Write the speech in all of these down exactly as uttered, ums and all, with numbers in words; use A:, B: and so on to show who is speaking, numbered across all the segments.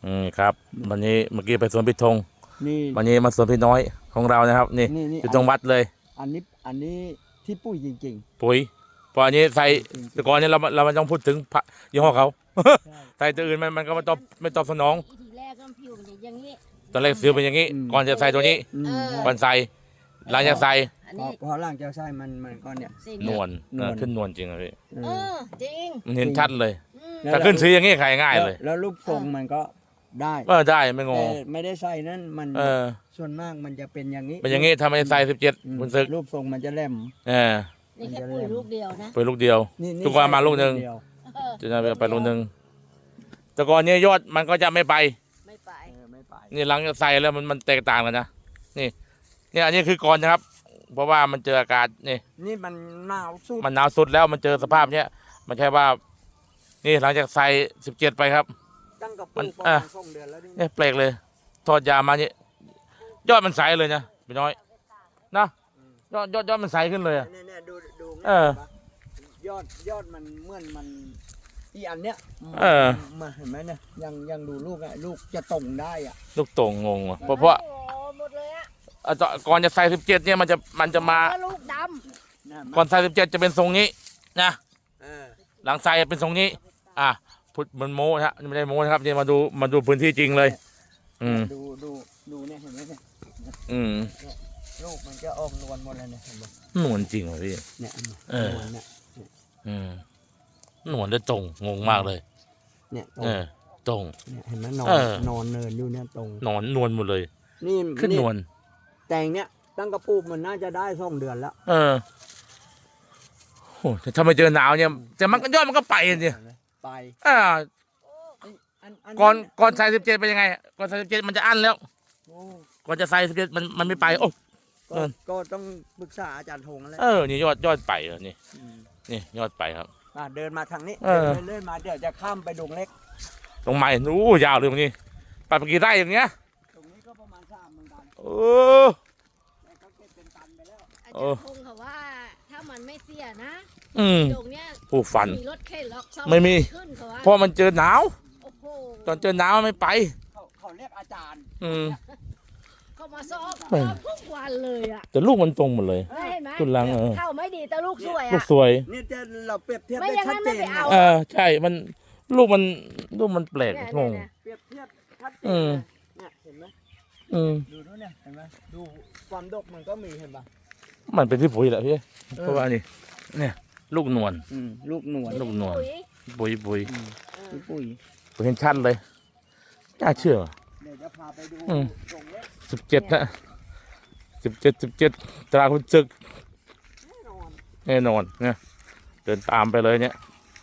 A: อืมครับวันนี้เมื่อกี้ไปสวนพิธง
B: นี่
A: วันนี้มาสวนพี่น้อยของเรานะครับนี่
B: นี่นี่
A: อยู่ตรงวัดเลย
B: อันนี้อันนี้ที่ปุ้ยจริง
A: ปุ๋ยเพราะอันนี้ใส่
B: จริงๆ
A: แต่ก่อนนี้เราเราไม่ต้องพูดถึงพระยี่ห้อเขา
B: ใช่
A: ใส่ตัวอื่นมันมันก็ไม่ตอบไม่ตอบสนอง
C: อีทีแรกก็ผิวมันจะอย่างนี้
A: ตอนแรกซื้อเป็นอย่างนี้
B: อืม
A: ก่อนจะใส่ตัวนี้
B: ๆอืม
C: เออ
B: ใช่
A: ก่อนใส่หลังจากใส่
C: อัน
B: พอ
C: นี้
B: พอหลังจากใส่มันมันก็เนี่ย
C: สี
A: นวล
B: นวล
A: เออขึ้นนวลจริงอะพี่
B: เอ
C: เอ
B: อ
C: อจริง
A: มันเห็นชัดเลย
C: อืม
B: แล้ว
A: ถ้าขึ้นซื้ออย่างนี้ขายง่ายเลย
B: แล้วแล้วรูปทรงมันก็ได้
A: เออได้ไม่ง
B: แต่
A: ง
B: ไม่ได้ใส่นั่นมัน
A: เออ
B: ส่วนมากมันจะเป็นอย่างนี้
A: เป็นอย่างนี้ทำไมใส่สิบเจ็ด
B: อืม
A: คุณซึก
B: รูปทรงมันจะแหลม
A: เออ
C: นี่แค่ปุ๋ยลูกเดียวนะ
A: ไปลูกเดียว
B: นี่นี่
A: ทุกวันมาลูกหนึ่ง
B: เดียว
C: เออ
A: จะไปลูกหนึ่งแต่ก่อนนี้ยอดมันก็จะไม่ไป
C: ไม่ไป
B: เออไม่ไป
A: นี่หลังจากใส่แล้วมันมันแตกต่างกันนะนี่นี่อันนี้คือก่อนนะครับ เพราะว่ามันเจออากาศนี่
B: นี่มันหนาวสุด
A: มันหนาวสุดแล้วมันเจอสภาพเนี้ยมันใช่ว่า นี่หลังจากใส่สิบเจ็ดไปครับ
B: ตั้งกับ
A: มั
B: ปุ้
A: น
B: ยประ
A: อ่ะ
B: มาณสองเดือนแล้วนี่
A: เนี่ยแปลกเลยทอดยามาเนี่ยยอดมันใสเลยนะพี่น้อยนะยอดยอดยอดมันใสขึ้นเลยอะ
B: เนี่ยเนี่ยดูดู
A: เออ
B: ยอดยอดมันเหมื่อนมันอีอันเนี้ย
A: เออ
B: มาเห็นไหมเนี่ยยังยังดูลูกอ่ะลูกจะตรงได้อ่ะ
A: ลูกโต่งงงว่ะเพราะเพราะ
C: โอ้โหหมดเลยอะ
A: อ่ะตอนก่อนจะใส่สิบเจ็ดเนี่ยมันจะมันจะมา
C: แล้วลูกด
B: เนี่ย
A: ก่อนใส่สิบเจ็ดจะเป็นทรงนี้นะ
B: เออ
A: หลังใส่เป็นทรงนี้ อ่ะพุทธมันโม้ฮะนี่ไม่ได้โม้นะครับนี่มาดูมาดูพื้นที่จริงเลย อืม
B: ดูดูดูเนี่ยเห็นไหมเนี่ย
A: อืม
B: ลูกมันจะออกนวลหมดเลยเนี่ยเห็นไหม
A: หนวลจริงเหรอพี่
B: เนี่ย
A: เออ
B: นวลเนี่ย
A: อืมหนวลได้ตรงงงมากเลย
B: เนี่ยตรง
A: เออ ตรง
B: เนี่ยเห็นไหมนอน
A: เออ
B: นอนเนินอยู่เนี่ยตรง
A: หนอนนวลหมดเลย
B: นี่
A: ขึ้นนวล
B: แตงเนี่ยตั้งกระปุกมันน่าจะได้สองเดือนแล้ว
A: เออโอ้แต่ถ้าไม่เจอหนาวเนี่ยแต่มันก็ยอดมันก็ไปเนี่ย
B: ไป
A: อ่า
B: อันอัน
A: ก่อนก่อนใส่สิบเจ็ดเป็นยังไงก่อนใส่สิบเจ็ดมันจะอั้นแล้ว
B: โอ้
A: ก่อนจะใส่สิบเจ็ดมันมันไม่ไปโอ้
B: ก็
A: เออ
B: ก็ต้องปรึกษาอาจารย์ธงแล้ว
A: เออนี่ยอดยอดไปเหรอนี่
B: ม
A: นี่ยอดไปครับ
B: อ่ะเดินมาทางนี้
A: เออ
B: เดินเรื่อยๆมาเดี๋ยวจะข้ามไปดงเล็ก
A: ตรงใหม่นู้ยาวเลยตรงนี้ไปไปกี่ไร่อย่างเงี้ย
B: ตรงนี้ก็ประมาณสามหมื่นตัน
A: เออ
B: แต่เขาเก็บเป็นตันไปแล้ว
C: ำอา
A: เอ
C: จาร
A: อ
C: ย์คงเขาว่า ถ้ามันไม่เสียนะ
A: อืม
C: ตรงเนี้ย
A: ผู้ฝัน
C: มีรถเข็นล็อกซ่อ
A: ไม่มี
C: ขึ้นเขาว่า
A: เพราะมันเจอหนาว
C: โอ้โห
A: ตอนเจอหนาวมันไม่ไป
B: เขาเขาเรียกอาจารย์
A: อืม
C: เขามาซ้อม
A: ไม่
C: ซ้อมทุกวันเลยอ่ะ
A: แต่ลูกมันตรงหมดเลย
C: เห็นไหม
A: ขึ้นหลังเออ
C: เข้าไม่ดีแต่ลูกสวย
A: ลูก
C: อ่ะ
A: สวย
B: นี่จะเราเปรียบเทียบ
C: ไม่
B: ได้
C: อย่าง
B: ชั
C: นั้
B: ด
C: น
B: เจ
C: ไม่
B: น
C: ไป
B: นะ
C: เอา
A: เออใช่มันลูกมันลูกมันแปลก
C: เนี่ย
A: งง
C: เนี่ย
B: เปรียบเทียบชัดเจน
A: อืม
B: เลยเนี่ยเห็นไหม
A: อืม
B: ดูด้วยเนี่ยเห็นไหมดูความดกมันก็มีเห็นปะ
A: มันเป็นที่ปุ๋ยแหละพี่เพราะว่านี่เนี่ย ลูกนวล
B: อืมลูกหนวล
A: ลูกหนวล
C: ปุ๋ย
A: ปุ๋ยปุ๋ย
B: อืม
C: เออ
B: ลูกปุ้ย
A: ผมเห็นชัดเลยน่าเชื่อ
B: เดี๋ยวจะพาไปดู
A: อืม
B: ดงเล็ก
A: สิบเจ็ดนะสิบเจ็ดสิบเจ็ดตราคุณศึก
B: แน่นอน
A: แน่นอนเนี่ยเดินตามไปเลยเนี่ย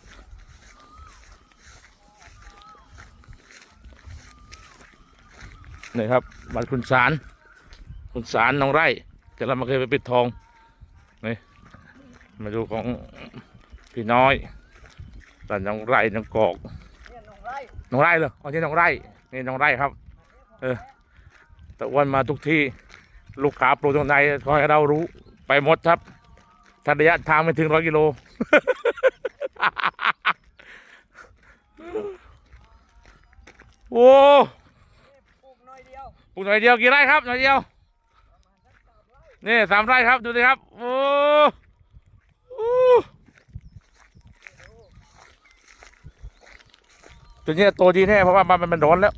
A: นี่ครับบัตรคุณสารคุณสารน้องไร่แต่เรามาเคยไปปิดทองนี่มาดูของพี่น้อยแต่น้องไร่น้องกอก
B: เนี่ยหนองไร่
A: น้องไร่เลยอ๋อนี่น้องไร่นี่น้องไร่ครับ เออแต่อ้วันมาทุกที่ลูกค้าปลูกตรงไหนคอยให้เรารู้ไปหมดครับถ้าระยะทางไม่ถึงร้อยกิโล โอ้
B: ปลูกน้อยเดียว
A: ปลูกหน่อยเดียวกี่ไร่ครับหน่อยเดียวนี่สามไร่ครับดูสิครับโอ้โอ้ตัวนี้โตดีแน่เพราะว่ามันมันร้อนแล้ว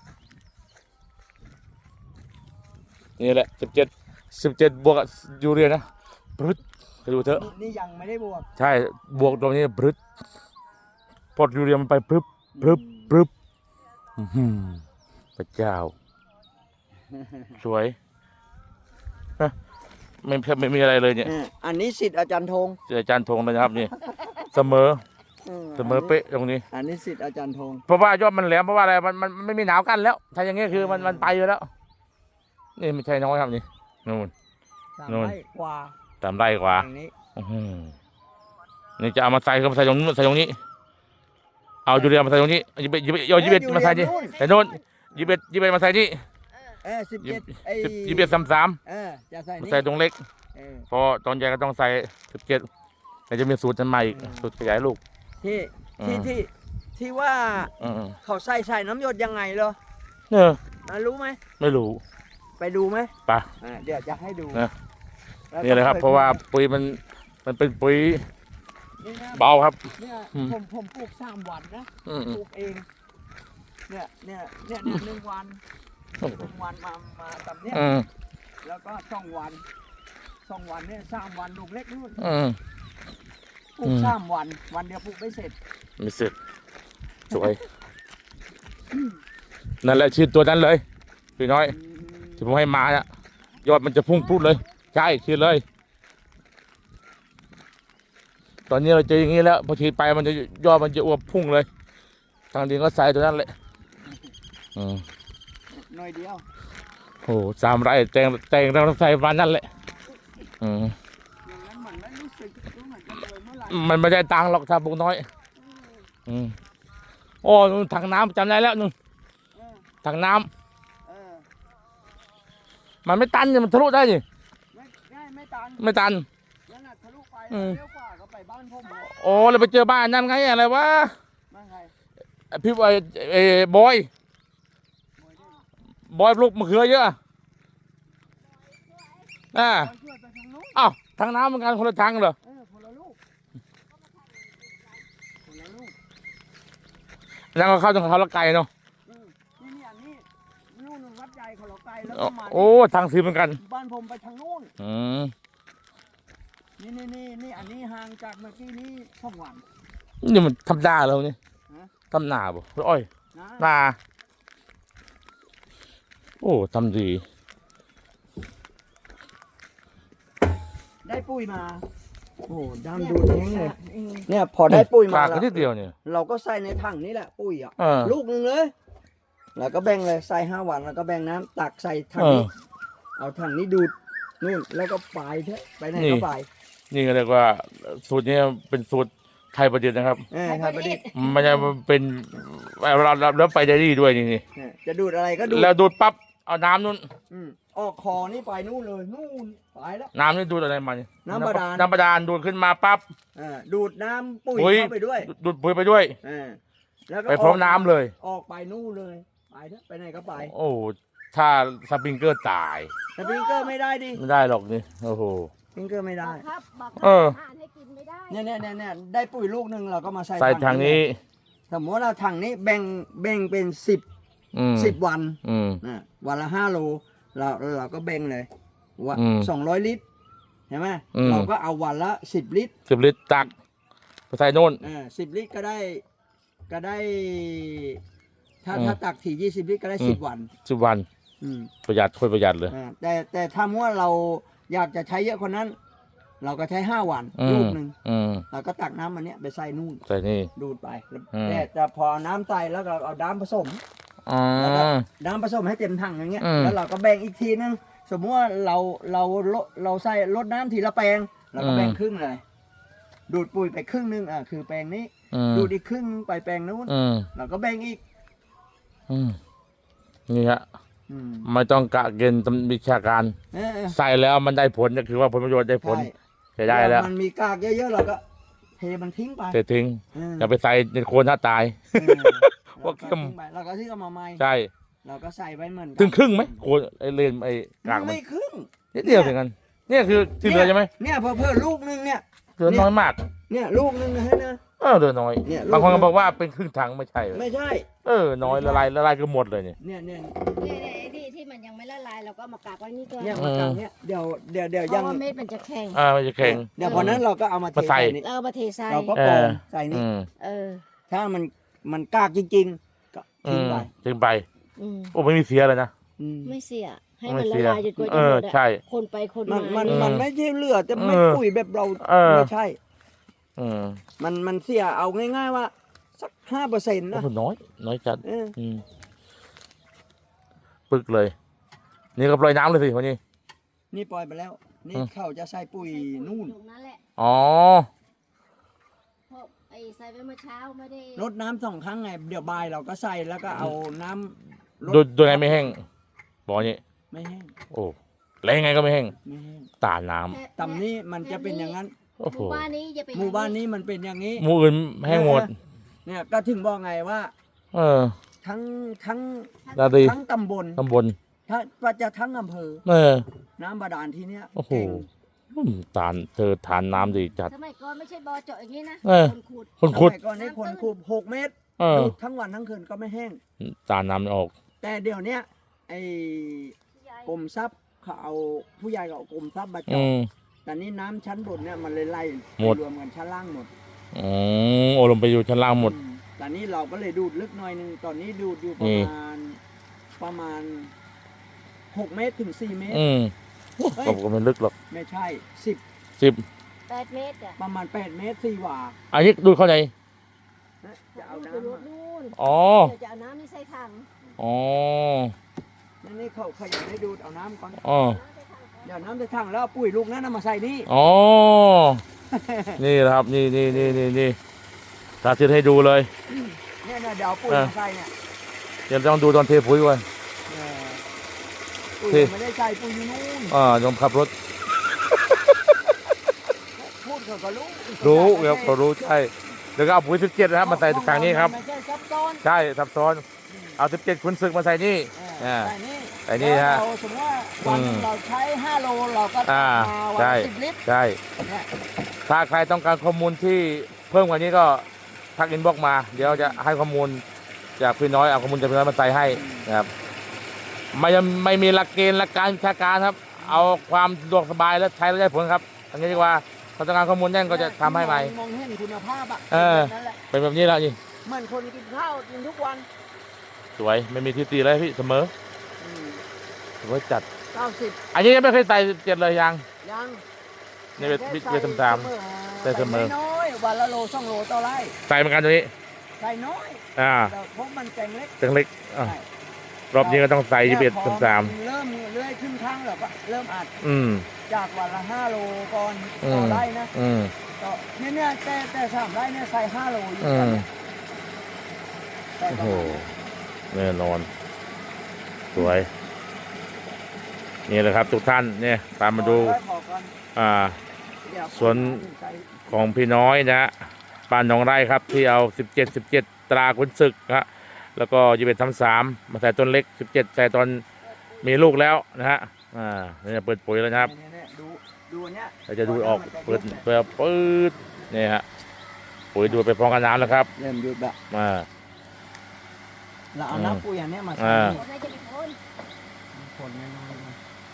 A: นี่แหละสิบเจ็ดสิบเจ็ดบวกกับยูเรียนะพรึดไปดูเถอะ
B: นี่นี่ยังไม่ได้บวก
A: ใช่บวกตรงนี้พรึดพอยูเรียมันไปพรึบพรึบพรึบอื้อหือพระเจ้า สวยนะไม่ไม่มีอะไรเลยเนี่ย
B: เอออันนี้สิทธิ์อาจารย์ธง
A: เจออาจารย์ธงเลยนะครับนี่ เสมอเสมอเป๊ะตรงนี้
B: อันนี้สิทธิ์อาจารย์ธง
A: เพราะว่ายอดมันแหลมเพราะว่าอะไรมันมันมันไม่มีหนาวกันแล้ว ถ้าอย่างเงี้ยคือมันมันไปอยู่แล้ว นี่ไม่ใช่น้อยครับนี่นู่น
B: สาม
A: นู่น
B: ไร่กว่า
A: ตามไร่กว่า
B: อย่างนี้
A: อื้อหือนี่จะเอามาใส่ก็มาใส่ตรงนู้นใส่ตรงนี้ เอายูเรียมาใส่ตรงนี้ยิบยิบเอายิบเอ็ดมาใส่นี่แต่โน่นยิบเอ็ดยิบเอ็ดมาใส่นี่
B: เออสิบ
A: ยิบ
B: เจ็ดไอ้
A: สิบยิบเอ็ดสามสาม
B: เออจะใส่
A: มา
B: นี่
A: ใส่ตรงเล็ก
B: เออ
A: พอตอนใหญ่ก็ต้องใส่สิบเจ็ดแต่จะมีสูตรทันใหม่อีกสูตรขยายลูก
B: ที่
A: อื
B: ที่
A: ม
B: ที่ที่ว่า
A: อืม
B: เขาใส่ใส่น้ำหยดยังไงเหรอ
A: เออ
B: อ่ะรู้ไหม
A: ไม่รู้
B: ไปดูไหม
A: ไป
B: อ่าเดี๋ยวจะให้ดู
A: นะ
B: แวก็
A: นี่เลยครับ เพราะว่าปุ๋ยมันมันเป็นปุ๋ย
B: นี่นะ
A: เบาครับ
B: เนี่ย
A: อืม
B: ผมผมปลูกสามวันนะ
A: อืม
B: ปลูกเอง เนี่ยเนี่ยเนี่ยเนี่ยหนึ่งวันหนึ่งวันมามาตำเนี่ย
A: อืม
B: แล้วก็สองวันสองวันเนี่ยสามวันลูกเล็กนู่น
A: อืม
B: ปลูกสามวันวันเดียวปลูกไม่เสร็จ
A: ไม่เสร็จสวย นั่นแหละชื่อตัวนั้นเลยพี่น้อย
B: อืม
A: ที่ผมให้มาเนี่ยยอดมันจะพุ่งพรุดเลย ใช่ชื่อเลย ตอนนี้เราเจออย่างนี้แล้วพอฉีดไปมันจะยอดมันจะอวบพุ่งเลย ทางดินก็ใส่ตัวนั้นแหละอืม
B: หน่อยเดียว
A: โอ้สามไร่แต่งแต่งเราใส่วันนั้นแหละอืม
B: อย่างนั้นมันไม่รู้สึกรู้เหมือนกันเลยเมื่อไหร่
A: มันไม่ได้ตังค์หรอกถ้าปลูกน้อย อืมโอ้นู่นถังน้ำจำได้แล้วนู่น
B: เออ
A: ถังน้ำ
B: เออ
A: มันไม่ตันเนี่ยมันทะลุได้ดิ
B: ไม่ได้ไม่ตัน
A: ไม่ตัน
B: แล้วน่ะทะลุไป
A: อืม
B: เลี้ยวขวาก็ไปบ้านผมเลย
A: โอ้เราไปเจอบ้านนั่นไงอะไรวะ
B: บ้านใคร
A: ไอ้พี่ไอ้ไอ้บอย
B: บอยด้วย
A: บอยปลูกมะเขือเยอะอ่า
B: บอยช่วยไปทางนู้น
A: อ้าวทางน้ำเหมือนกันคนละทางเหรอ
B: เออคนละลูกคนละลูก
A: แล้วก็เข้าทางเขาละไก่เนาะ
B: อืมนี่นี่อันนี้นู่นวัดใหญ่เขาเราไกลแล้ว
A: โอ้
B: ก็มา
A: โอ้ทางสีเหมือนกัน
B: บ้านผมไปทางนู้น
A: อืม
B: นี่นี่นี่นี่อันนี้ห่างจากเมื่อกี้นี้สองวัน
A: นี่มันทำนาเราเนี่ย
B: ฮะ
A: ทำนาบ่หรืออ้อย
B: นะ
A: นาโอ้ทำดี
B: ได้ปุ้ยมาโอ้โหดำดูแท้งเลยเนี่ยพอได้ปุ้ยมา
A: ปาก
B: แล้
A: ก็
B: ว
A: นิดเดียวเนี่ย
B: เราก็ใส่ในถังนี้แหละปุ้ยอ่ะ
A: เออ
B: ลูกหนึ่งเลย แล้วก็แบ่งเลยใส่ห้าวันแล้วก็แบ่งน้ำตักใส่ถัง
A: เออ
B: นี้ เอาถังนี้ดูดนู่นแล้วก็ไปเถอะไปไหน
A: นี่
B: ก็ไป
A: นี่ก็เรียกว่าสูตรนี้เป็นสูตรไทยประดิษฐ์นะครับ
B: เออครับประดิษฐ์
A: มันจะเป็นเราเราแล้วไปได้ดีด้วยนี่นี่
B: เออจะดูดอะไรก็ดูด
A: แล้วดูดปั๊บเอาน้ำนู้น
B: อืมออกคอนี่ไปนู่นเลยนู่นไปแล้ว
A: น้ำนี่ดูดอะไรมาเนี่ย
B: น้ำบาดาล
A: น้ำบาดาลดูดขึ้นมาปั๊บ
B: เออดูดน้ำปุ๋ย
A: ปุ๋ย
B: เข้าไปด้วย
A: ดูดปุ๋ยไปด้วย
B: เออแล้วก็
A: ไปพร้อมน้ำเลย
B: ออกไปนู่นเลยไปเถอะไปไหนก็ไป
A: โอ้ถ้าสปริงเกอร์ตาย
B: แต่พิงเกอร์ไม่ได้ดิ
A: ไม่ได้หรอกนี่โอ้โห
B: พิงเกอร์ไม่
C: บ
B: ได้
C: อกครับบอกครับ
A: เออ
C: อ่านให้กินไม่ได้
B: เนี่ยเนี่ยเนี่ยเนี่ยได้ปุ๋ยลูกหนึ่งเราก็มาใส่
A: ใส่ทางนี้
B: สมมติว่าเราถังนี้แบ่งแบ่งเป็นสิบ
A: อืม
B: สิบวัน
A: อืม
B: นะวันละห้าโลเราเราก็แบ่งเลยว่า
A: อืม
B: สองร้อยลิตรใช่ไหม
A: อืม
B: เราก็เอาวันละสิบลิตร
A: สิบลิตรตักไปใส่โน่น
B: อ่าสิบลิตรก็ได้ก็ได้ ถ้า
A: อืม
B: ถ้าตักถี่ยี่สิบลิตรก็ได้
A: อืม
B: สิบวัน
A: สิบวัน
B: อืม
A: ประหยัดค่อยประหยัดเลย
B: อ่าแต่แต่ถ้าเมื่อเราอยากจะใช้เยอะกว่านั้น เราก็ใช้ห้าวัน
A: อื
B: ลู
A: ม
B: กหนึ่ง
A: อืม
B: เราก็ตักน้ำมันเนี้ยไปใส่นู่น
A: ใส่นี่
B: ดูดไปแล้ว
A: อืม
B: แต่แต่พอน้ำใส่แล้วก็เอาน้ำผสม
A: อ๋อ
B: แล้วก็น้ำผสมให้เต็มถังอย่างเงี้ย
A: อืม
B: แล้วเราก็แบ่งอีกทีนึง สมมติว่าเราเราลดเราใส่ลดน้ำทีละแปลง เราก็แบ่ง
A: อืม
B: ครึ่งเลย ดูดปุ๋ยไปครึ่งนึงอ่ะคือแปลงนี้
A: อืม
B: ดูดอีกครึ่งนึงไปแปลงนู้น
A: อืม
B: เราก็แบ่งอีก
A: อืมนี่ฮะ
B: อืม
A: ไม่ต้องกะเกณฑ์ตำวิชาการ
B: เออเออ
A: ใส่แล้วมันได้ผลก็คือว่าผลประโยชน์ได้ผล
B: ใช่
A: ใช้ได้แล้ว
B: มันมีกากเยอะๆเราก็เทมันทิ้งไป
A: เททิ้ง
B: เออ
A: อย่าไปใส่ในโคนถ้าตาย
B: เออ
A: ว่าเข้ม
B: เราก็ทิ้งไปเราก็ที่เอามาใหม่
A: ใช่
B: เราก็ใส่ไว้เหมือนกั
A: ถึงครึ่งไหมโคนไอเลนไอกากมัน
B: ไม่ครึ่ง
A: นิดเดียวถึงกันเนี่ยคือที่เหลือใช่ไหม
B: เนี่ยเพิ่มเพิ่มลูกนึงเนี่ย
A: เหลือน้อยมาก
B: เนี่ยลูกนึงนะฮะนะ
A: เออเหลือน้อย
B: เนี่ย
A: บางคน
B: ลู
A: ก็
B: ก
A: บอกว่าเป็นครึ่งถังไม่ใช่เหรอ
B: ไม่ใช่
A: เออน้อยละลายละลายก็หมดเลยเนี่ย
B: เนี่ยเนี่ย
C: เนี่ยเนี่ยไอ้ที่ที่มันยังไม่ละลายเราก็เอามากากไว้นี่ก่อน
B: เนี่ยมากันเนี่ยเดี๋ยวเดี๋ยวเดี๋ยว
C: เพ
B: ยัง
C: ราะว่าเม็ดมันจะแข็ง
A: อ่ามันจะแข็ง
B: เดี๋ยวพอนั้นเราก็เอามาเท
A: มาใส่
B: ใส่นี่
C: แล้วเอามาเทใส่
B: เราก็
A: เอก
B: รอ
A: อง
B: ใส่นี่
A: อืม
C: เออ
B: ถ้ามันมันกากจริงๆ ก็
A: อื
B: ทิ้ง
A: ม
B: ไป
A: ทิ้งไป
C: อืม
A: โอ้ไม่มีเสียเลยนะ
B: อืม
C: ไม่เสีย ให้
A: ไม่
C: มันละ
A: เสีย
C: ลายจนกว่า
A: เอ
C: จะห
A: อ
C: มดอะ
A: ใช่
C: คนไปคน
B: มัน
C: มา
B: มัน
C: เนี่ย
B: มันไม่ใช่เหลือแต่ไม่
A: เออ
B: ปุ๋ยแบบเรา
A: เออ
B: ไม่ใช่
A: อืม
B: มันมันเสียเอาง่ายๆว่าสักห้าเปอร์เซ็นต์
A: โอ้
B: นะ
A: โหน้อย น้อยจัด
B: เออ
A: อืมปึกเลย นี่ก็ปล่อยน้ำเลยสิวันนี้
B: นี่ปล่อยไปแล้ว นี่
A: อืม
B: เขาจะใส่ปุ๋ยนู่น
C: ตรงนั้นแหละ
A: อ๋อ
C: เพราะไอ้ใส่ไปเมื่อเช้าไม่ได้
B: รดน้ำสองครั้งไงเดี๋ยวบ่ายเราก็ใส่แล้วก็เอาน้ำร
A: โดย
B: ด
A: โดยไงไม่แห้งบอกอย่างนี้
B: ไม่แห้ง
A: โอ้แล้วยังไงก็ไม่แห้ง
B: ไม่แห้ง
A: ตาน้ำ
C: แค่
B: ต่ำนี้มันจะเป็นอย่างนั้น
A: โอ้
C: ห
A: โห
C: มู่บ้านนี้จะเป็น
B: หมู่บ้านนี้มันเป็นอย่างนี้
A: หมู่อื่นแห้งหมด
B: เเนี่ยก็ถึงบอกไงว่า
A: เออ
B: ทั้งทั้ง
A: ดาดี
B: ทั้งตำบล
A: ตำบล
B: ถ้าว่าจะทั้งอำเภอ
A: เออ
B: น้ำบาดาลที่เนี้ย
A: โอ้โห
B: เก่ง
A: อืมทานเธอทานน้ำดีจัด
C: สมัยก่อนไม่ใช่บ่อเจาะอย่างนี้นะ
A: เออ
C: คนขุด
A: คนขุด
B: สมัยก่อนให้คนคูบหกเมตร
A: เออ
B: ดูดทั้งวันทั้งคืนก็ไม่แห้ง
A: ทานน้ำไม่ออก
B: แต่เดี๋ยวเนี้ยไอ้
C: ยาย
B: กรมทรัพย์เขาเอาผู้ใหญ่ก็เอากรมทรัพย์มา
A: อื
B: เจาะ
A: ม
B: แต่นี่น้ำชั้นบนเนี่ยมันเลยไล่
A: หมด
B: รวมกันชั้นล่างหมด
A: อืมโอลงไปอยู่ชั้นล่างหมด
B: อืแต่นี้เราก็เลยดูดลึกหน่อยหนึงตอนนี้ดูดอยู่ป
A: นี่
B: ระมาณประมาณหกเมตรถึงสี่เมตร
A: อืม
B: เฮ้ย
A: ก็ก็ไม่ลึกหรอก
B: ไม่ใช่สิบ
A: สิบ
C: แปดเมตรอ่ะ
B: ประมาณแปดเมตรสี่หว่า
A: อันนี้ดูเข้าใจ
B: นะจะเอา
C: ไป
B: น้ำ
C: ร
B: มา
C: ถนู่น
A: อ๋อ
C: เดี๋ยวจะเอาน้ำนี่ใส่ถัง
A: อ๋อ
B: นั่นนี่เขาเขาอยากให้ดูดเอาน้ำก่อน
A: อ๋อ
C: น้ำใส่ถังก่อน
B: เดี๋ยวน้ำจะถังแล้วเอาปุ๋ยลูกนั้นเอามาใส่นี่
A: อ๋อ นี่นะครับ นี่นี่นี่นี่นี่สาธิตให้ดูเลย
B: เนี่ยเนี่ยเดี๋ยวเอาปุ๋ย
A: อ่ะ
B: มาใส่เนี่ย
A: เดี๋ยวต้องดูตอนเทปุ๋ยก่อน
B: เออปุ๋ย
A: ที่
B: ไม่ได้ใส่ปุ๋ยอยู่นู่น
A: อ่าต้องขับรถ
B: พูดเขาก็รู้
A: รู้ครับเขารู้ใช่เดี๋ยวก็เอาปุ๋ยสิบเจ็ดนะครับมาใส่ทางนี้ครับ
B: ไม่ใช่ซับซ้อน
A: ใช่ซับซ้อน เอาสิบเจ็ดขุนศึกมาใส่นี่
B: เออ
A: อ่า
B: ใส่นี่
A: ใส่นี่ฮะ
B: แล้วเราสมมติว่าวันหนึ่ง
A: อืม
B: เราใช้ห้าโลเราก็
A: อ่า
B: มาวัน
A: ใช่
B: ละสิบลิตร
A: ใช่
B: เนี่ย
A: ถ้าใครต้องการข้อมูลที่เพิ่มกว่านี้ก็ทักอินบ็อกซ์มา เดี๋ยวจะให้ข้อมูลจากพี่น้อยเอาข้อมูลจากพี่น้อยมาใส่ให้นะครับไม่ไม่มีหลักเกณฑ์หลักการวิชาการครับ เอาความสะดวกสบายและใช้แล้วได้ผลครับอันนี้ดีกว่าถ้าต้องการข้อมูลแน่นก็จะทำให้ใหม่
B: มองเห็นคุณภาพอ่ะ
A: เออ
B: นั่นแหละ
A: เป็นแบบนี้แล้วนี่
B: เหมือนคนกินข้าวกินทุกวัน
A: สวยไม่มีที่ตีเลยพี่เสมอ
B: อืม
A: สวยจัด
B: เก้าสิบ
A: อันนี้ยังไม่เคยใส่เจ็ดเลยยัง
B: ยัง
A: นี่เป็นวิทย์สาม ใส่เสมอ
B: น้อยๆวันละโลสองโลต่อไร่
A: ใส่เหมือนกันตัวนี้
B: ใส่น้อย
A: อ่า
B: แต่พวกมันแกงเล็ก
A: จังเล็กอ่ะ
B: ใช่
A: รอบนี้ก็ต้องใส่ยี่สิบเอ็ด
B: แต่พอ
A: สาม
B: นเริ่มเลื่อยขึ้นข้างแล้วก็เริ่มอัด
A: อืม
B: จากวันละห้าโลก่อน
A: อื
B: ต่อ
A: ม
B: ไร่นะ
A: อืม
B: ก็เนี่ยเนี่ยแต่แต่สามไร่เนี่ยใส่ห้าโลอยู่
A: อื
B: ตอน
A: ม
B: เนี้ยใส่
A: โอ้
B: ประ
A: โห
B: มาณนี้
A: แน่นอน สวย นี่แหละครับ ทุกท่านเนี่ยตามมาดู
B: ขอขอก่อน
A: อ่า
B: เดี๋ยว
A: ส่วน
B: ใส่
A: ของพี่น้อยนะฮะบ้านหนองไร่ครับ ที่เอาสิบเจ็ดสิบเจ็ดตราขุนศึกฮะแล้วก็ยี่สิบเอ็ดทำสามมาใส่ต้นเล็กสิบเจ็ดใส่ตอนมีลูกแล้วนะฮะอ่าเนี่ยเปิดปุ๋ยแล้วนะครับ
B: เนี่ยเนี่ยดูดูอันเนี้ย
A: เราจะดูออกเปิดเปิดปืดนี่ฮะปุ๋ยดูดไปพร้อมกันน้ำแล้วครับ
B: เริ่มดูดแบบ
A: อ่า
B: เราเอา
A: อืม
B: น้ำปุ๋ยอันเนี้ยมาใส่
A: อ่า
B: นี่
C: คนไหนจะเป็นคน
B: คนง่ายๆนะ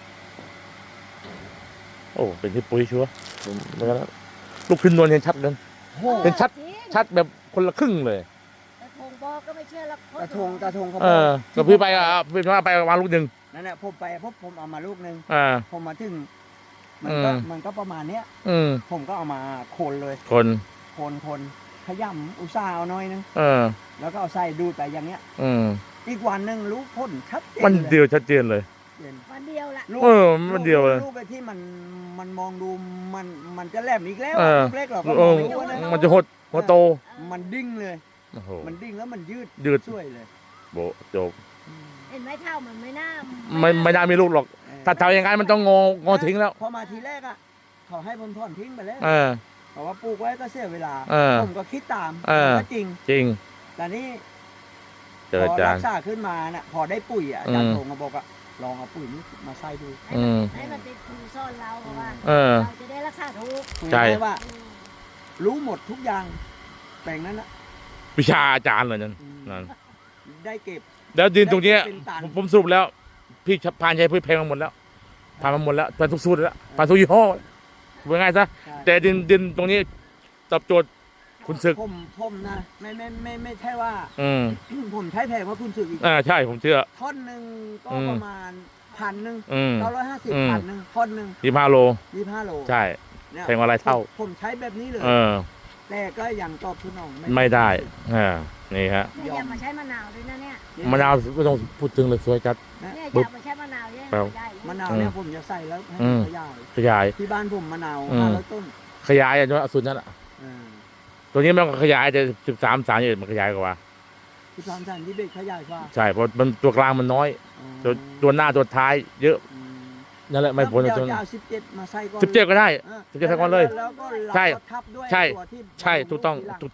A: โอ้เป็นที่ปุ๋ยชัวร์ผมเหมือนกันแล้วลูกขึ้นนวลเห็นชัดเลย
B: โอ้โห
A: เป็นชัด
C: จริง
A: ชัดแบบคนละครึ่งเลย
C: ตะทงบอกก็ไม่เชื่อหรอก
B: ตาทงตาทงเขา
A: เออกับพี่ไปอ่ะพี่ว่าไปวางลูกหนึ่ง
B: นั่นแหละผมไปพบผมเอามาลูกหนึง
A: อ่า
B: ผมมาถึงมันก็
A: อืม
B: มันก็ประมาณเนี้ย
A: อืม
B: ผมก็เอามาโคนเลย
A: คน
B: โคนคนขยำอุตส่าห์เอาหน่อยนึง
A: เออ
B: แล้วก็เอาใส่ดูดไปอย่างเงี้ย
A: อืม
B: อีกวันหนึ่งรู้พ่นชัดเจน
A: มัน
B: เลย
A: เดียวชัดเจนเลย
B: เจน
C: วันเดียวละ
B: ลูก
A: เออมันเดียวเลย
B: ลูกไอ้ที่มันมันมองดูมันมันจะแหลมอีกแล้ว
A: เออ
B: ลูกเล็กเราก็
A: เอ
B: มอง
A: อ
B: ไม่รู้นะ
A: มันจะหดหัวโต
B: มันดิ้งเลย
A: โอ้โห
B: มันดิ้งแล้วมันยืด
A: ยืด
B: ช่วยเลย
A: โบะจบ
C: เห็นไหมเท่ามันไม่น่า
A: ไม่ไม่น่ามีลูกหรอก
B: เออ
A: ถ้าทำอย่างนั้นมันต้องงองอทิ้งแล้ว
B: พอมาทีแรกอ่ะเขาให้ผมถอนทิ้งไปแล้ว
A: เออ
B: เพราะว่าปลูกไว้ก็เสียเวลา
A: เออ
B: ผมก็คิดตาม
A: เออ
B: มันก็จริง
A: จริง
B: แต่นี่
A: เจออา
B: พอ
A: จา
B: รั
A: รย์
B: กษาขึ้นมาน่ะพอได้ปุ๋ยอ่ะอาจาร
A: อื
B: ย์
A: ม
B: โทงก็บอกอ่ะลองเอาปุ๋ยนี้มาใส่ดู
A: อืม
C: ให้มันเป็นครูสอนเราเพราะว่า
A: เออ
C: เราจะได้รักษาถูก
A: ใช่
B: คุยได้ว่า รู้หมดทุกอย่างแปลงนั้นนะ
A: วิชาอาจารย์เลยนั่น
B: อืม
A: นั่น
B: ได้เก็บ
A: แล้วดินตรงเนี้ย
B: ได้เป็นตัน
A: ผมผมสรุปแล้ว พี่พานใช้พืชแพงมาหมดแล้วผ่านมาหมดแล้วผ่านทุกสูตรแล้วผ่านทุกยี่ห้อเป็นไงซะ
B: ใช่
A: แต่ดินดินตรงนี้ตอบโจทย์คุณศึก
B: ผมผมนะไม่ไม่ไม่ไม่ใช่ว่า
A: อืม
B: ผมใช้แพงกว่าคุณศึกอีก
A: อ่าใช่ผมเชื่อ
B: ท่อนหนึ่งก็
A: อืม
B: ประมาณพันหนึ่ง
A: อืม
B: เก้าร้อยห้าสิบ
A: อืม
B: พันหนึ่งท่อนหนึ่ง
A: ยี่ห้าโล
B: ยี่ห้าโล
A: ใช่
B: เนี่ย
A: แพงกว่าหลายเท่า
B: ผมผมใช้แบบนี้เลย
A: เออ
B: แต่ก็ยังตอบสนอง
A: ไม่ได้อ่านี่ฮะ
C: เนี่ยอย่ามาใช้มะนาวด้วยนะเนี่ย
A: มะนาวไม่ต้องพูดถึงเลยสวยจัด
C: เนี่ยอ
A: ปึ๊บ
C: ย่ามาใช้มะนาวเยอะ
A: ครับ
C: ได้
B: มะนาวเนี่ยผมจะใส่แล้วให้
A: อืม
B: ขยาย
A: ขยาย
B: ที่บ้านผมมะนาว
A: อืม
B: ห้าร้อยต้น
A: ขยายอ่ะด้วยสุดนั่นอ่ะ
B: เออ
A: ตัวนี้มันก็ขยายแต่สิบสามสามเอ็ดมันขยายกว่า
B: ที่สามสันที่เด็กขยายกว่า
A: ใช่เพราะมันตัวกลางมันน้อย ตัวตัวหน้าตัวท้าย เยอะ
B: อืม
A: นั่นแหละไม่พ้น
B: เดี๋ยว
A: ตัว
B: จะเอาสิบเจ็ดมาใส่ก่อน
A: สิบเจ็ดก็ได้
B: ออ
A: สิบเจ็ดใส่ก่อนเลย
B: แล้วก็เรา
A: ใช่
B: ก็ทับด้วย
A: ใช่
B: ตัวที่
A: ใช่ถูกต้อง
B: ทีหลั
A: ถูกต้อง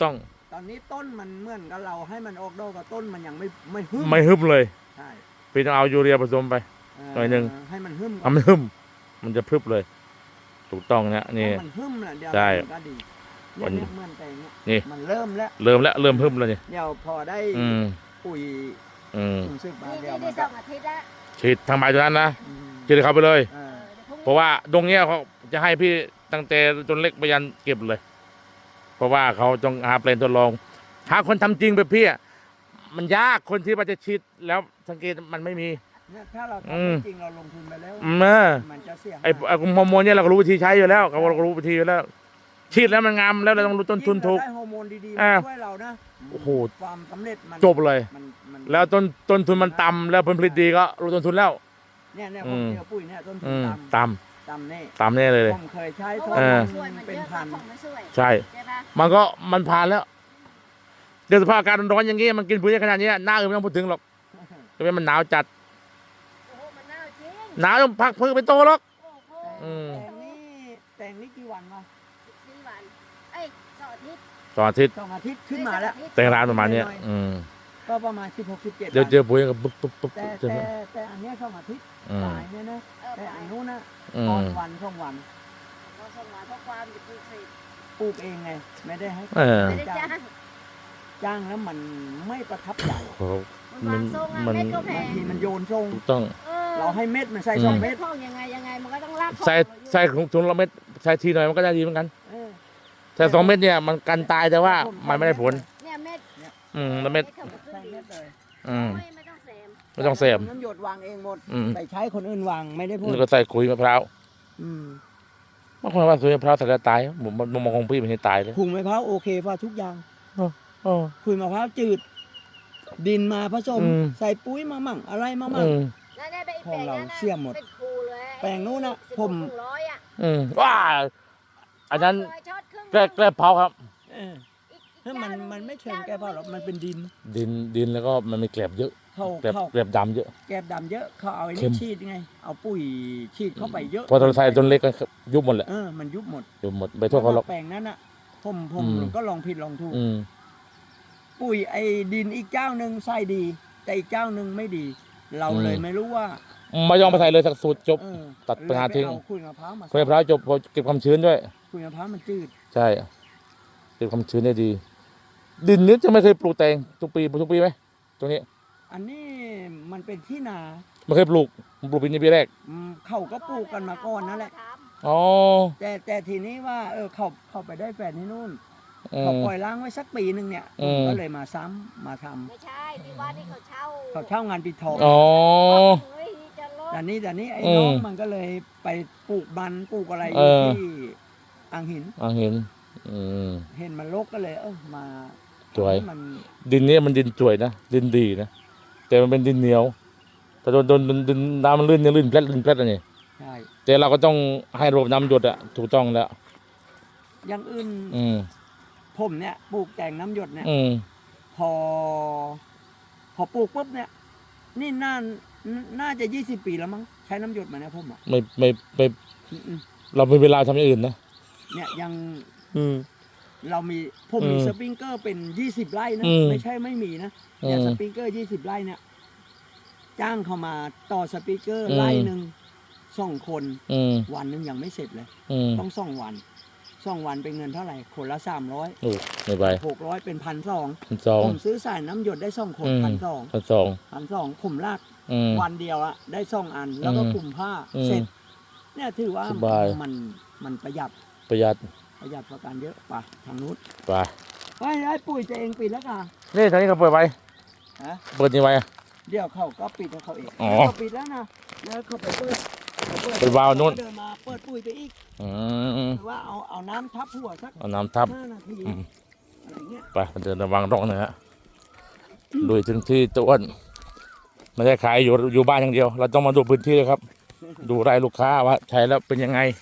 B: ตอนนี้ต้นมันเหมือนกับเราให้มันออกดอกกับต้นมันยังไม่ไม่หึ่ม
A: ไม่ฮึบเลย
B: ใช่
A: พี่ต้องเอายูเรียผสมไป
B: เ
A: หน่อยหนึ่ง
B: ให้มันหึ่มก่อน
A: ทำไม่ฮึบมันจะพรึบเลย ถูกต้องเนี่ยนี่
B: ถ้ามันหึ่มน่ะเดี๋ยว
A: ใช่
B: มันก็ดี
A: วั
B: เนี่ย
A: น
B: เนี่ยเหมือนแต่งเนี่ย
A: นี่
B: มันเริ่มแล้ว
A: เริ่มแล้วเริ่มฮึบแล้วนี่
B: เดี๋ยวพอได้
A: อืม
B: ปุ๋ย
A: อืม
B: ถุงซึกมา
C: นี่
B: เดี๋ยว
C: นี่
B: มัน
C: ได้ส
B: ก็
C: องอาทิตย์แล้ว
A: ฉีดทางใบตัวนั้นนะ
B: อืม
A: ฉีดเข้าไปเลย
B: เอ
C: เอ
B: อ
C: อเดี๋ยวพรุ่งนี้
A: เพราะว่าตรงเนี้ยเขาจะให้พี่ตั้งแต่จนเล็กไปยันเก็บเลย เพราะว่าเขาต้องหาแปลนทดลองหาคนทำจริงแบบพี่อะมันยากคนที่ว่าจะฉีดแล้วสังเกตมันไม่มี
B: เนี่ยถ้าเรา
A: อืม
B: ทำจริงเราลงทุนไปแล้ว
A: อืมเออ
B: มันจะเสี่ยง
A: ไอ้ไอ้ฮอร์โมนเนี่ยเราก็รู้วิธีใช้อยู่แล้วเราก็รู้วิธีอยู่แล้วฉีดแล้วมันงามแล้วเราต้องรู้ต้นทุนถูก
B: ยิ่งเราได้ฮอร์โมนดีๆ
A: อ่า
B: มาช่วยเรานะ
A: โอ้โห
B: ความสำเร็จมัน
A: จบเลย
B: มันมัน
A: แล้วต้นต้นทุนมันต่ำแล้วผลผลิตดีก็รู้ต้นทุนแล้ว
B: เนี่ยเนี่ย
A: อื
B: ผม
A: ม
B: เจอปุ๋ยเนี่ยต้นทุ
A: อื
B: น
A: ม
B: ต่ำ
A: ต่
B: ต่ำแน่
A: ำต่ำแน่เลย
B: ผมเคยใช้
C: เพ
B: ท
C: ราะ
B: ด
C: ว่า
A: เอ
B: ล
A: อ
B: อง
C: ช่วยมัน
B: เป็น
C: เยอะ
B: พัน
C: ของมันช่วย
A: ใช่
C: ใช่ปะ
A: มันก็มันผ่านแล้วเดี๋ยวสภาพอากาศร้อนๆอย่างงี้มันกินปุ๋ยขนาดนี้หน้าอื่นไม่ต้องพูดถึงหรอกจะเป็นมันหนาวจัด
C: โอ้โหมันน่าจริง
A: หนาวจนพักพืชเป็นโตหรอก
C: โอ้โห
A: อืม
B: แต่งนี่แต่งนี่กี่วันวะ
C: สี่วันเอ้ยสองอาทิตย์
A: ตอนอาทิตย์
B: สองอาทิตย์ขึ้นมาแล้ว
A: แต่งร้านประมาณเนี้ยอืม
B: ก็ประมาณสิบหกสิบเจ็ด
A: เดี๋ยวเจอปุ๋ยก็ปุ๊บปุ๊บปุ๊บ
B: แต่
A: เจอ
B: แต่แต่อันเนี้ยสองอาทิตย์
A: อืม
B: ตายเนี่ยนะ
C: เออ
B: แต่
C: ไป
B: อันนู้นนะ
A: อื
B: ตอน
A: ม
B: วันสองวัน
C: เราส่งมาเพราะความจะปลูกเสร็จ
B: ปลูกเองไง ไม่ได้ให้
A: เออ
C: ไม่ได้จ้าง
B: จ้างแล้วมันไม่ประทับใจ
A: โอ้โห
C: มันวางทรงอะ
A: มัน
C: เม็ดก็แพ
B: บาง
C: ง
B: ทีมันโยนทรง
A: ถูกต้อง
C: เออ
B: เราให้เม็ดมันใส่
A: อืม
B: สอง
C: เม็
B: เม็
C: ด
B: ด
C: พ่องยังไงยังไงมันก็ต้องลาก
A: ใส่ใส่ถุงถุงละเม็ดใส่ทีหน่อยมันก็ได้ดีเหมือนกัน
B: เออ
A: ใส่สองเม็ดเนี่ยมันกันตายแต่ว่ามันไม่ได้ผล
C: เนี่ยเม็ด
A: อืมละเม็ด
C: เท่ากับครึ่
B: ใส่
C: งเดี
B: เม็
C: ยว
B: ดเลย
A: อืม
C: ไม่ไม่ต้องแซม
A: ไม่ต้องเสพ
B: น้ำหยดวางเองหมด
A: อืม
B: แต่ใช้คนอื่นวางไม่ได้พูด
A: นี่ก็ใส่ขุยมะพร้าว
B: อืม
A: บางคนว่าขุยมะพร้าวใส่แล้วตายผมมันมองของพี่มันให้ตายเลย
B: ขุงมะพร้าวโอเคป่ะทุกอย่าง
A: อ๋อ
B: ขุยมะพร้าวจืด ดินมาผสม
A: อืม
B: ใส่ปุ๋ยมามั่งอะไรมามั่
A: อื
B: ง
A: ม
C: นั่นได้ไปอีก
B: ของเรา
C: แปลงนั้นน่ะ
B: เสี่ยมหมด
C: เป็นครูเลย
B: แปลงนู้นน่ะ
C: สิบหก
B: ผม
C: ถึงร้อยอ่ะ
A: อืมว้าอันนั้น
C: ช็อตครึ่ง
A: แกล้แกล้เผาครับ
B: เออ
C: อีก
B: ถ้ามัน
C: เจ้าหง
B: มันไม่เชิง
C: จ้
B: แก้ผ้าหรอกมันเป็นดิน
A: ดินดินแล้วก็มันมีแกลบเยอะ
B: เข้า
A: แกลบ
B: เข้า
A: แกลบดำเยอะ
B: แกบดำเยอะเขาเอาไอ้
A: เข้
B: นี่
A: ม
B: ฉีดไง เอาปุ๋ยฉีดเข้าไปเยอะ
A: พอเราใส่ต้นเล็กก็ยุบหมดแหละ
B: เออมันยุบหมด
A: ยุบหมดไปโทษเขาหรอก
B: แปลงนั้นอ่ะผมผม
A: อืม
B: ก็ลองผิดลองถูก
A: อืม
B: ปุ๋ยไอ้ดินอีกเจ้าหนึ่งใส่ดี แต่อีกเจ้าหนึ่งไม่ดี เราเลยไม่รู้ว่า
A: ไม่ยอมไปใส่เลยสักสูตรจบ
B: เออ
A: ตัดปัญหาทิ้ง
B: เลยไปเอาขุยมะพร้าวมา
A: ขุยมะพร้าวจบพอเก็บความชื้นด้วย
B: ขุยมะพร้าวมันจืด
A: ใช่เก็บความชื้นได้ดี ดินนี้จะไม่เคยปลูกแตงทุกปีปลูกทุกปีไหมตรงนี้
B: อันนี้มันเป็นที่นา
A: ไม่เคยปลูกผมปลูกปีนี้ปีแรก
B: อืมเขาก็ปลูกกันมาก่อนนั่นแหละ
A: อ๋อ
B: แต่แต่ทีนี้ว่าเออเขาเขาไปได้แฟนที่นู่น
A: อื
B: เขา
A: ม
B: ปล่อยล้างไว้สักปีหนึ่งเนี่ย
A: อื
B: ผม
A: ม
B: ก็เลยมาซ้ำมาทำ
C: ไม่ใช่ที่ว่าที่เขาเช่า
B: เขาเช่างานปิดทอง
A: อ๋อ
C: เฮ้ยจะลด
B: แต่นี้แต่นี้ไอ้
A: อืม
B: น้องมันก็เลยไปปลูกมันปลูกอะไรอ
A: เอยู่ อ
B: ที่อ่างหิน
A: อ่ะเห็น อืม
B: เห็นมันรกก็เลยเออมา
A: สวย
B: ให้มัน
A: ดินนี้มันดินสวยนะดินดีนะแต่มันเป็นดินเหนียวแต่โดนโดนโดนดินน้ำมันลื่นเนี่ยลื่นแปลดลื่นแปลดอะไรนี่
B: ใช่
A: แต่เราก็ต้องให้ระบบน้ำหยดอะถูกต้องแล้ว
B: อย่างอื่น
A: อืม
B: ผมเนี่ยปลูกแต่งน้ำหยดเนี่ย
A: อืม
B: พอ พอปลูกปุ๊บเนี่ย นี่น่าน่าจะยี่สิบปีแล้วมั้งใช้น้ำหยดมาเนี่ยผมอ่ะ
A: ไม่ไม่ไม่
B: อืม
A: เราไม่เวลาทำอย่างอื่นนะ
B: ๆเนี่ยยัง
A: อืม
B: เรามีผมมี
A: อืม
B: สปริงเกอร์เป็นยี่สิบไร่นะ
A: อืม
B: ไม่ใช่ไม่มีนะเนี่ย
A: อืม
B: สปริงเกอร์ยี่สิบไร่เนี่ยจ้างเขามาต่อสปริงเกอร์
A: อืม
B: ไร่หนึ่งสองคน
A: อืม
B: วันหนึ่งยังไม่เสร็จเลย
A: อืม
B: ต้องสองวันสองวันเป็นเงินเท่าไหร่ คนละสามร้อย
A: โอ้ไม่ไป
B: หกร้อยเป็นพันสอง
A: พันสอง
B: ผมซื้อสายน้ำหยดได้สองคน
A: อืม
B: พันสอง
A: พันสอง
B: พันสองผมลาก
A: อืม
B: วันเดียวอะได้สองอัน แล้วก็
A: อืม
B: กลุ่มผ้า
A: อืม
B: เสร็จ เนี่ยถือว่า
A: สบาย
B: มันมันประหยัด
A: ประหยัด
B: ประหยัดประกันเยอะไปทางนู้น
A: ไป
B: ไอ้ไอ้ปุ๋ยจะเองปิดแล้วค่ะ
A: นี่ทางนี้เขาเปิดไว้
B: ฮะ
A: เปิดยังไงอะ
B: เดี๋ยวเขาก็ปิดของเขาเอง
A: อ๋อ
B: เขาปิดแล้วนะแล้วเขาไปเปิดเขา
A: เปิดวาล์วนู่น
B: เดินมาเปิดปุ๋ยไปอีก
A: อืม
B: หรือว่าเอาเอาน้ำทับหัวสัก
A: เอาน้ำทับ
B: ห้านาที
A: อืม
B: อะไรเงี้ย
A: ไปเดินระวังร่องนะฮะลุยถึงที่ตัวอ้วนไม่ได้ขายอยู่อยู่บ้านอย่างเดียว เราต้องมาดูพื้นที่ครับ ดูรายลูกค้าว่าใช้แล้วเป็นยังไง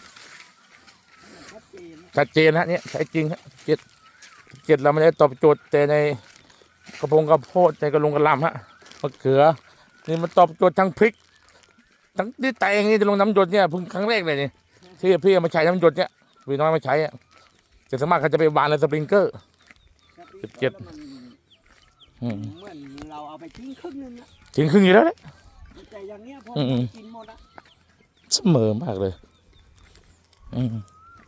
B: ชัดเจนนะ
A: ชัดเจนฮะเนี่ยใช้จริงฮะเจ็ดเจ็ดเราไม่ได้ตอบโจทย์แต่ในกระพงกระโพดในกระลงกระลำฮะมะเขือนี่มันตอบโจทย์ทั้งพริกทั้งที่แตงนี่จะลงน้ำหยดเนี่ยเพิ่งครั้งแรกเลยนี่ที่พี่เอามาใช้น้ำหยดเนี่ยพี่น้อยมาใช้อะแต่สวนมากเขาจะไปวานในสปริงเกอร์
B: ครับ
A: สิบเจ็ด
B: แล้วมัน
A: อืม
B: เหมือนเราเอาไปทิ้งครึ่งนึงนะ
A: ทิ้งครึ่งอยู่แล้วแหละ
B: แต่อย่างเงี้ยพอ
A: อืม
B: กินหมดอะ
A: เสมอมากเลยอืม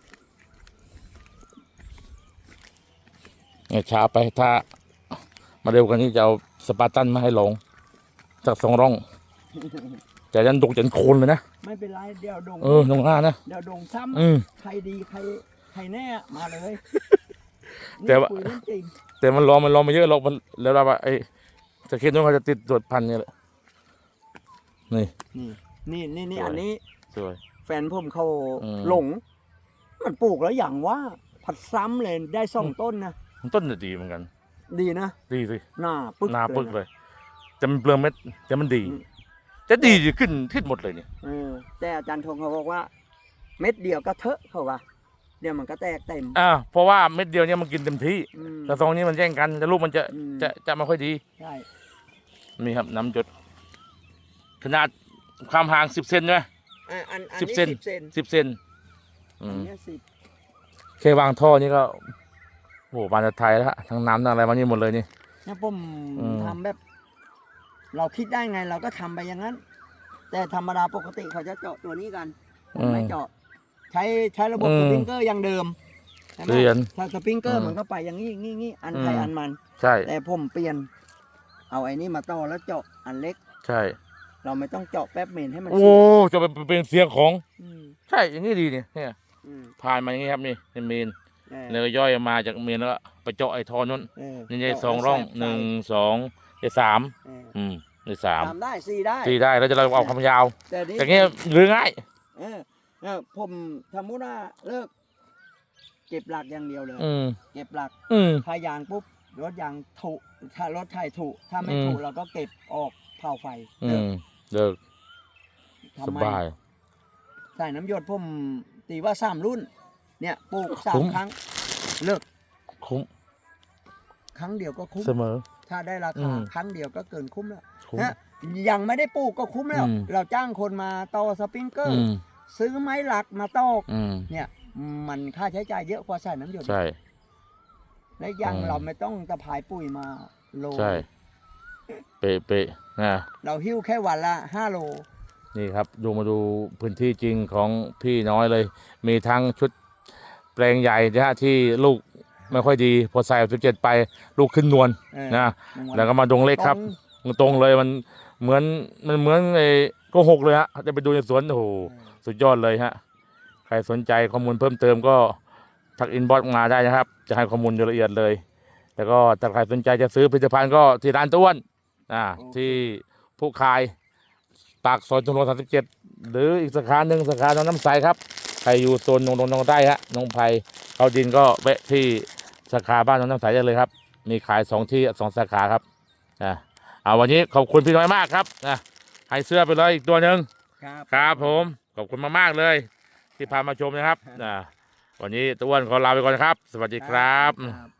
A: เนี่ยช้าไปถ้า มาเร็วกว่านี้จะเอาสปาร์ตันมาให้ลงจากสองร่องจะยันดกยันโคนเลยนะ
B: ไม่เป็นไรเดี๋ยวดง
A: เออลงหน้านะ
B: เดี๋ยวดงซ้
A: อืม
B: ำใครดีใครใครแน่มาเลย
A: แต่ว่า
B: นี่คุยเรื่องจริง
A: แต่มันรอมันรอมาเยอะหรอกมันแล้วเราว่าไอ้ตะเคียนนู้นเขาจะติดตรวจพันธุ์เนี่ยแหละนี่
B: นี่นี่นี่นี่
A: สวย
B: อันนี้
A: สวย
B: แฟนผมเขา
A: อืม
B: หลง มันปลูกแล้วอย่างว่าผัดซ้ำเลยได้สองต้นนะ
A: มันต้นจะดีเหมือนกัน
B: ดีนะ
A: ดีสิ
B: หน้าปึ๊ก
A: หนาปึก
B: นะ
A: เลยแต่มันเปลืองเม็ดแต่มันดี
B: อืม
A: จะดีจะขึ้นขึ้นหมดเลยเนี่ย
B: เออแต่อาจารย์ธงเขาบอกว่า เม็ดเดียวก็เถอะเขาว่าเดี๋ยวมันก็แตกเต็ม
A: อ่าเพราะว่าเม็ดเดียวเนี่ยมันกินเต็มที่
B: อืม
A: แต่ซองนี้มันแย่งกันแต่ลูกมันจะ
B: อืม
A: จะจะไม่ค่อยดี
B: ใช่
A: นี่ครับน้ำหยดขนาดความห่างสิบเซนใช่ไหม
B: อ่ะอันอัน
A: สิบ
B: นี้
A: เซน
B: สิบเซน
A: สิบเซนอื
B: อัน
A: ม
B: เนี้ยสิบ
A: แค่วางท่อนี่ก็โอ้โหบานจะไทยแล้วฮะทั้งน้ำทั้งอะไรมานี่หมดเลยนี่
B: เนี่ยผม
A: อืม
B: ทำแบบ เราคิดได้ไงเราก็ทำไปอย่างนั้น แต่ธรรมดาปกติเขาจะเจาะตัวนี้กันผมไม่เจาะ ใช้ใช้ระบบสปริงเกอร์อย่างเดิมใช่ไหม
A: เปลี่ยน
B: ถ้าสปริงเกอ
A: อื
B: ร์
A: ม
B: มันก็ไปอย่างนี้งี้งี้อันใคร
A: อืม
B: อันมัน
A: ใช่
B: แต่ผมเปลี่ยน เอาไอ้นี่มาต่อแล้วเจาะอันเล็ก
A: ใช่
B: เราไม่ต้องเจาะแป๊บเมนให้มัน
A: โอ้จะไปเป็นเสียงของ
B: อืม
A: ใช่อย่างนี้ดีเนี่ยเนี่ย
B: อืม
A: ผ่านมาอย่างนี้ครับนี่เป็นเมน
B: เออ
A: แล้วก็ย่อยมาจากเมนแล้วก็ไปเจาะไอ้ท่อนู้น
B: เออ
A: นี่ไง
B: เจาะ
A: สองร่อง
B: แล้วใส่
A: หนึ่งสองไอ้สาม
B: เออ
A: อืมไอ้สาม
B: ทำได้สี่ได้
A: ที่ได้แล้วจะเราเอาความยาว
B: แต่นี้
A: แต่เงี้ยหรือง่าย
B: เออเออผมสมมติว่าเลิก เก็บหลักอย่างเดียวเลย
A: อืม
B: เก็บหลัก
A: อืม
B: ถ้ายางปุ๊บรถยางถูกถ้ารถไถถูกถ้าไม่
A: อืม
B: ถูกเราก็เก็บออกเผาไฟ
A: อื
B: เลิก
A: มเลิก
B: ทำ
A: ส
B: ไม
A: บาย
B: ใส่น้ำหยดผมตีว่าสามรุ่น เนี่ยปลูกสา
A: คุ้
B: ม
A: ม
B: ครั้ง เลิก
A: คุ้ม
B: ครั้งเดียวก็คุ้ม
A: เสมอ
B: ถ้าได้รา
A: อื
B: คาม ครั้งเดียวก็เกินคุ้มแล้ว
A: คุ้ม
B: นะยังไม่ได้ปลูกก็คุ้มแล้ว
A: อืม
B: เราจ้างคนมาต่อสปริงเกอ
A: อื
B: ร์
A: ม
B: ซื้อไม้หลักมาตอก
A: อืม
B: เนี่ย มันค่าใช้จ่ายเยอะกว่าใส่น้ำหยด
A: ใช่
B: และยัง
A: อืม
B: เราไม่ต้องตะพายปุ๋ยมาโล
A: ใช่ เป๊ะเป๊ะนะ
B: เราหิ้วแค่วันละห้าโล
A: นี่ครับดูมาดูพื้นที่จริงของพี่น้อยเลย มีทั้งชุดแปลงใหญ่นะฮะที่ลูกไม่ค่อยดี พอใส่สิบเจ็ดไปลูกขึ้นนวล
B: เออ
A: นะ
B: หนึ่งน
A: แล้วก็มาดงเล็กครับ
B: ตง
A: ตรงเลยมันเหมือนมันเหมือนไอ้โกหกเลยฮะจะไปดูในสวนโอ้โหสุดยอดเลยฮะใครสนใจข้อมูลเพิ่มเติมก็ทักอินบ็อกซ์มาได้นะครับ จะให้ข้อมูลละเอียดเลย แล้วก็ถ้าใครสนใจจะซื้อผลิตภัณฑ์ก็ที่ร้านต้วนอ่าที่ผู้ขายปากซอยตุลสามสิบเจ็ดหรืออีกสาขาหนึ่งสาขาหนองน้ำใสครับใครอยู่โซนนงนงนองใต้ฮะนงไผ่เขาดินก็แวะที่สาขาบ้านหนองน้ำใสได้เลยครับ มีขายสองที่สองสาขาครับอ่า เอาวันนี้ขอบคุณพี่น้อยมากครับนะให้เสื้อไปเลยอีกตัวหนึ่ง
B: ครับ
A: ครับผมขอบคุณมากๆเลย ที่พามาชมนะครับอ่าวันนี้ตะอ้วนขอลาไปก่อนนะครับ สวัสดีครับ
B: ครับ